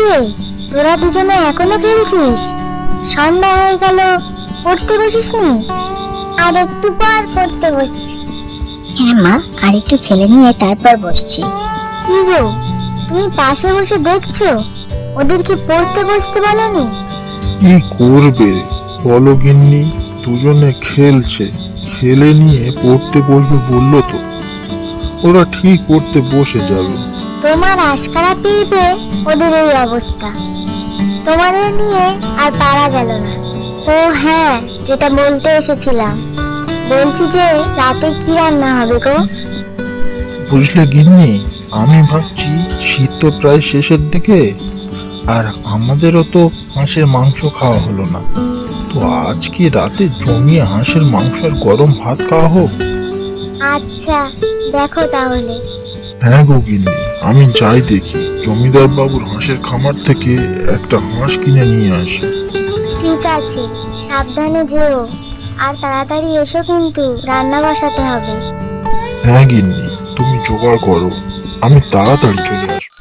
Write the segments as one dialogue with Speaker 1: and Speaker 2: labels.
Speaker 1: রে, তোরা দুজনে এখনো খেলছিস? সন্ধ্যা হয়ে গেল, পড়তে বসিসনি? আর একটু পর পড়তে বসছি।
Speaker 2: হ্যাঁ মা, আর একটু খেলে নিয়ে তারপর বসছি।
Speaker 1: কি গো, তুমি পাশে বসে দেখছো? ওদেরকে পড়তে বসতে বলনি?
Speaker 3: কি করবে বলো গিন্নি, দুজনে খেলছে, খেলে নিয়ে পড়তে বসবে বললো তো। ওরা ঠিক পড়তে বসে যাবে।
Speaker 1: তোমার আশকারা পেয়ে পেয়ে ওদের এই অবস্থা। তোমাদের নিয়ে আর পারা গেল না। ও হ্যাঁ, যেটা বলতে এসেছিলাম, বলছি যে রাতে কি রান্না হবে গো?
Speaker 3: বুঝলে গিন্নি, আমি ভাবছি শীত তো প্রায় শেষের দিকে, আর আমাদেরও তো হাঁসের মাংস খাওয়া হলো না। তো আজকে রাতে জমিয়ে হাঁসের মাংস আর গরম ভাত খাওয়া হোক।
Speaker 1: আচ্ছা, দেখো তাহলে।
Speaker 3: হ্যাঁ গো গিন্নি, আমি যাই দেখি জমিদার বাবুর হাঁসের খামার থেকে একটা হাঁস কিনে নিয়ে আসি।
Speaker 1: ঠিক আছে, সাবধানে যেও, আর তাড়াতাড়ি এসো, কিন্তু রান্না বসাতে হবে।
Speaker 3: হ্যাঁ গিন্নি, তুমি জোগাড় করো, আমি তাড়াতাড়ি চলে আসবো।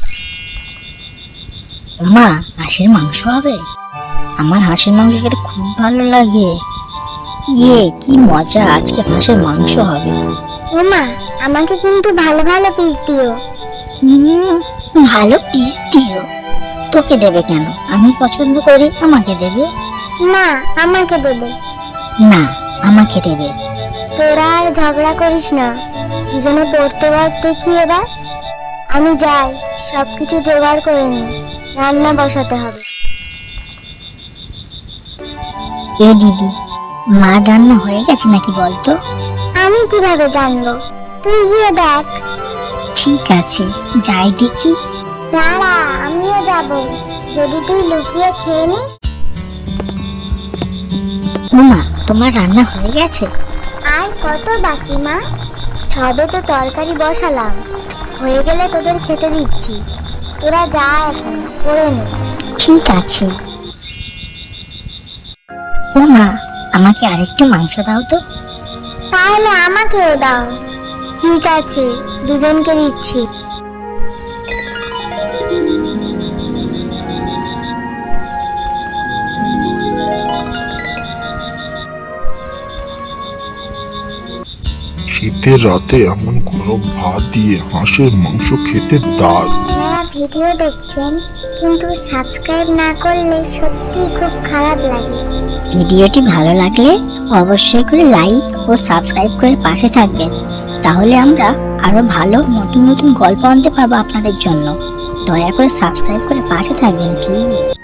Speaker 2: মা, হাঁসের মাংস হবে? আমার হাঁসের মাংস খেতে খুব ভালো লাগে। কি মজা, আজকে হাঁসের মাংস হবে।
Speaker 1: ওমা, আমাকে কিন্তু ভালো ভালো পিস দিও।
Speaker 2: ভালো পিস দিও? তোকে দেবে কেন? আমি পছন্দ করি, আমাকে দেবে।
Speaker 1: না, আমাকে দেবে।
Speaker 2: না, আমাকে দেবে।
Speaker 1: তোরা আর ঝগড়া করিস না, দুজনে পড়তে বস দেখি এবার। আমি যাই, সবকিছু জোগাড় করে নি, রান্না বসাতে হবে।
Speaker 2: এ দিদি, মা রান্না হয়ে গেছে নাকি বলতো?
Speaker 1: আমি কিভাবে জানবো? তুই গিয়ে দেখ।
Speaker 2: ঠিক আছে, যাই দেখি।
Speaker 1: দাঁড়া, আমিও যাব, যদি তুই লুকিয়ে খেয়ে নিস।
Speaker 2: মা, তোমার রান্না হয়ে গেছে?
Speaker 1: আর কত বাকি মা, সবে তো তরকারি বসালাম, হয়ে গেলে তোদের খেতে দিচ্ছি। তোরা যা, এখন করে নে।
Speaker 2: ঠিক আছে। মা, আমাকে আরেকটু মাংস দাও তো।
Speaker 1: তাহলে আমাকেও দাও। ঠিক আছে, দুজনকে দিচ্ছি।
Speaker 3: শীতের রাতে এমন গরম ভাত দিয়ে হাঁসের মাংস খেতে দারুণ।
Speaker 1: আপনারা ভিডিও দেখছেন, কিন্তু সাবস্ক্রাইব না করলে সত্যি খুব খারাপ লাগে।
Speaker 2: ভিডিওটি ভালো লাগলে অবশ্যই করে লাইক ও সাবস্ক্রাইব করে পাশে থাকবেন, তাহলে আমরা আরো ভালো নতুন নতুন গল্প আনতে পারবো আপনাদের জন্য। দয়া করে সাবস্ক্রাইব করে পাশে থাকবেন প্লিজ।